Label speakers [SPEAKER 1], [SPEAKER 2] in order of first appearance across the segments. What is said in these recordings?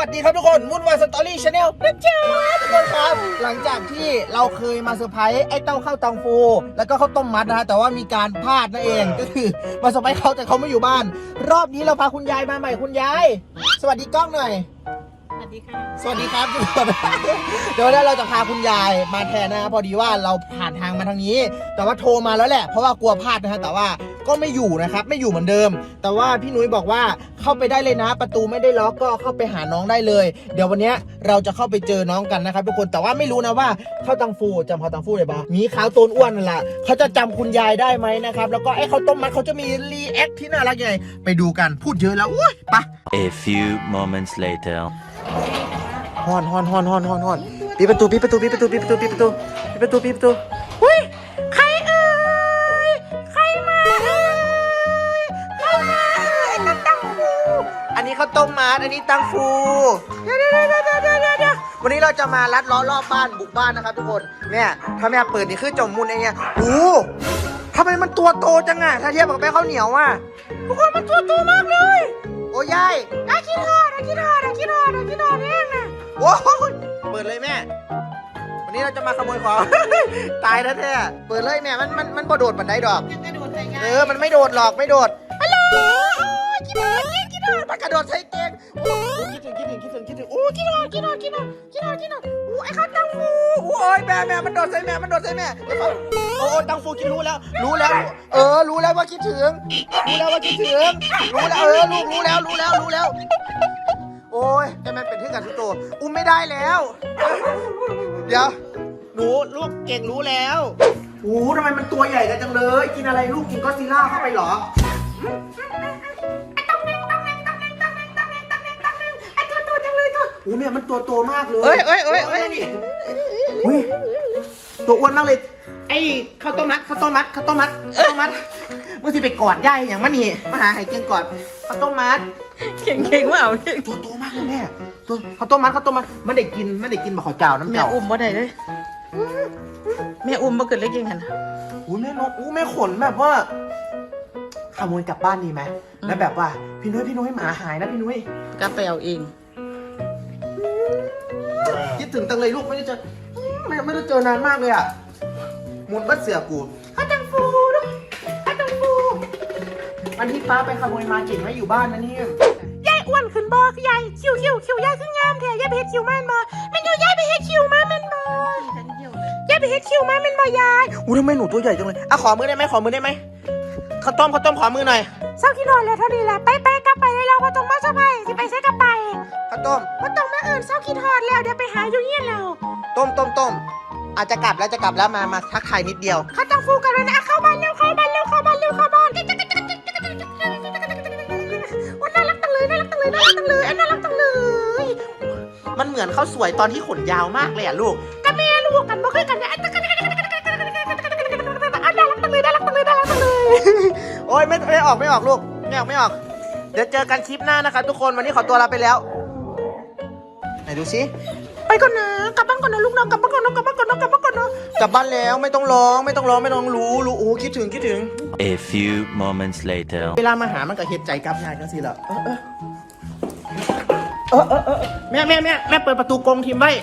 [SPEAKER 1] สดีครับทุกคนวุ่นวายสตอรี่ชาแนลนะจ๊ะทุกคนครับหลังจากที่เราเคยมาเซอร์ไพรส์ไอ้เต้าข้าวตังฟูแล้วก็ข้าวต้มมัดนะฮะแต่ว่ามีการพลาดนั่นเองก็คือมาเซอร์ไพรส์เขาแต่เขาไม่อยู่บ้านรอบนี้เราพาคุณยายมาใหม่คุณยายสวัสดีกล้องหน่อย
[SPEAKER 2] สวัสดีค่ะ
[SPEAKER 1] สวัสดีครับทุกคนเดี๋ยวเราจะพาคุณยายมาแทนนะครับพอดีว่าเราผ่านทางมาทางนี้แต่ว่าโทรมาแล้วแหละเพราะว่ากลัวพลาดนะฮะแต่ว่าก็ไม่อยู่นะครับไม่อยู่เหมือนเดิมแต่ว่าพี่นุ้ยบอกว่าเข้าไปได้เลยนะประตูไม่ได้ล็อกก็เข้าไปหาน้องได้เลยเดี๋ยววันนี้เราจะเข้าไปเจอน้องกันนะครับทุกคนแต่ว่าไม่รู้นะว่าข้าวตังฟูจำข้าวตังฟูได้ปะมีขาวโตนอ้วนนั่นแหละเขาจะจำคุณยายได้ไหมนะครับแล้วก็ไอ้ข้าวต้มมัดเขาจะมีรีแอคที่น่ารักยังไงไปดูกันพูดเยอะแล้วอุ้ยไป
[SPEAKER 3] A few moments later
[SPEAKER 1] ฮอนปิดประตูอุ้ยใครเอ่ยใครมาเอ่ยใครมาไอ้ตังฟูอันนี้เขาต้มมัดอันนี้ตังฟูเดี๋ยววันนี้เราจะมาลัดล้อรอบบ้านบุกบ้านนะครับทุกคนเนี่ยถ้าแม่เปิดนี่คือจมมุนไอ้เนี่ยโอ้ทำไมมันตัวโตจังอะถ้าเทียบกับแม่ข้าวเหนียวอะทุกคนมันตัวโตมากเลยโอ้ยายคิดฮอดเองนะโอ้ยเปิดเลยแม่วันนี้เราจะมาขโมยของ ตายแท้ๆเปิดเลยแม่มันบ่โดดบันไดดอกมันไม่โดดหรอกไม่โดดฮัลโหลคิดฮอดมันกระโดดใส่เตียงโอ้คิดถึงโอ้คิดฮอดโอ้ไอ้ข้าวตังฟูโอ้ยแม่มันโดดใส่แม่โอ้ตังฟูคิดรู้แล้วรู้แล้วว่าคิดถึงรู้แล้วลูกรู้แล้วโอ้ยแต่มันเป็นที่กันทุกตัวอุ้มไม่ได้แล้วเดี๋ยวหนูลูกเก่งรู้แล้วโอ้ทำไมมันตัวใหญ่กันจังเลยกินอะไรลูกกินก็อดซิลล่าเข้าไปเหรอโอ้เนี่ยมันตัวมากเลยเอ้ยตัวอ้วนมากเลยไอ้ข้าวต้มมัดเมื่อสิไปกอดย่ายอย่างมันนี่มาหาไห้เก่งกอดข้าวต้มมัด
[SPEAKER 2] เก่งว่าเอา
[SPEAKER 1] ตัวโตมากเลยแม่ตัวข้าวต้มมัดมันได้กินบะขอเจ้าน้ำ
[SPEAKER 2] แม่
[SPEAKER 1] เจ้า
[SPEAKER 2] อุ้มบ่ได้เลยแม่อุ้มบ่เกิดเล็กยังไงนะ
[SPEAKER 1] อุ้ยแม่นกแม่ขนแบบว่าขโมยกลับบ้านดีไหมแล้วแบบว่าพี่นุ้ยหมาหายนะพี่นุ้ย
[SPEAKER 2] กลับไปเอาเอง
[SPEAKER 1] คิดถึงตังเลยลูกไม่ได้เจอนานมากเลยอ่ะมุนบัดเสือกูข้าตังฟูวันที่ป้าไปขโมยมาเก่งไม่อยู่บ้านนะเนี่ย
[SPEAKER 4] ยายอ้วนขึ้นบ่ยายคิวยายขึ้นงามแท้ยายไปเฮ็ดคิวมาแม่นบ่แม่นอยู่ยายไปเฮ็ดคิวมาแม่นบ่ยายไปเฮ็ดคิวมาแม่นบ่ยาย
[SPEAKER 1] อู้ทำไมหนูตัวใหญ่จังเลยอ่ะขอมือได้ไหมข้าวต้มขอมือหน่อย
[SPEAKER 4] เศร้าขี้นอนแล้วเท่านี้แหละไปกลับไปเลยเราบ่ต้องมาซะไปสิไปใส่กลับไป
[SPEAKER 1] ข้าวต้ม
[SPEAKER 4] บ่ต้องมาเอิ้นเศร้าขี้ทอดแล้วเดี๋ยวไปหาอยู่เฮียนแล้ว
[SPEAKER 1] ต้มอาจจะกลับแล้วมาทักทายนิดเดียว
[SPEAKER 4] ข้าต้องฟูกันแล้วนะเข้าบ้านวันน่ารักจังเลย
[SPEAKER 1] มันเหมือนข้าวสวยตอนที่ขนยาวมากเลยอ่ะลูก
[SPEAKER 4] กับแม่ลูกกันบ่เคยกันนะน่ารักจังเลย
[SPEAKER 1] โอ้ยไม่ออกลูกไม่ออกเดี๋ยวเจอกันคลิปหน้านะครับทุกคนวันนี้ขอตัวลาไปแล้วไหนดูสิ
[SPEAKER 4] ไปก่อนนะกลับบ้านก่อนนะลูกน้องกลับบ้านก่อนนะ
[SPEAKER 1] กลับบ้านแล้วไม่ต้องร้องรู้โอ้คิดถึง
[SPEAKER 3] A few moments later
[SPEAKER 1] เวลามาหามันก็เห็ดใจกับยายกันสิเหรอแม่เปิดประตูกรงทิมไว้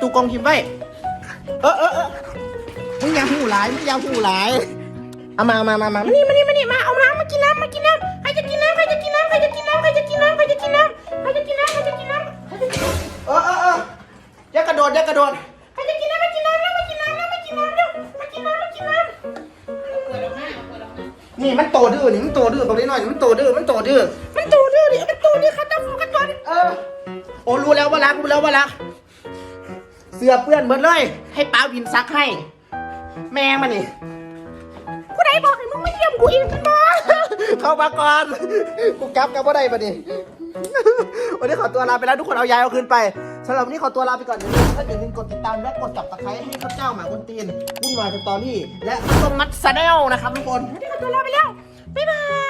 [SPEAKER 1] มึงอย่าหูหลายเอามามา
[SPEAKER 4] นี่มาเอาน้ำมากินน้ำใครจะกินน้ำ
[SPEAKER 1] อย่ากระโดด
[SPEAKER 4] ใครจะกินน้ำมากินน้ำ
[SPEAKER 1] นี่มันโตดื้อบอกนิดหน่อยมันโตดื้อ
[SPEAKER 4] เขาต้องฟูกันก่อน
[SPEAKER 1] โอ้รู้แล้วว่ารักเสื้อเปื้อนหมดเลยให้ป้าวินซักให้แม่มันนี่
[SPEAKER 4] กูได้บอกให้มึงไม่เยี่ยมกูอีกกันบ่
[SPEAKER 1] เข้ามาก่อนกูกลับว่าได้ปะนี่วันนี้ขอตัวลาไปแล้วทุกคนเอายายเอาคืนไปสำหรับวันนี้ขอตัวลาไปก่อนอย่าลืมกดติดตามและกดจับตะไคร้ให้ข้าเจ้าหมาคนตีนวุ่นวายสตอรี่และต้มมัดซาแนลนะครับทุกคน
[SPEAKER 4] วันนี้ขอตัวลาไปแล้วบ๊ายบาย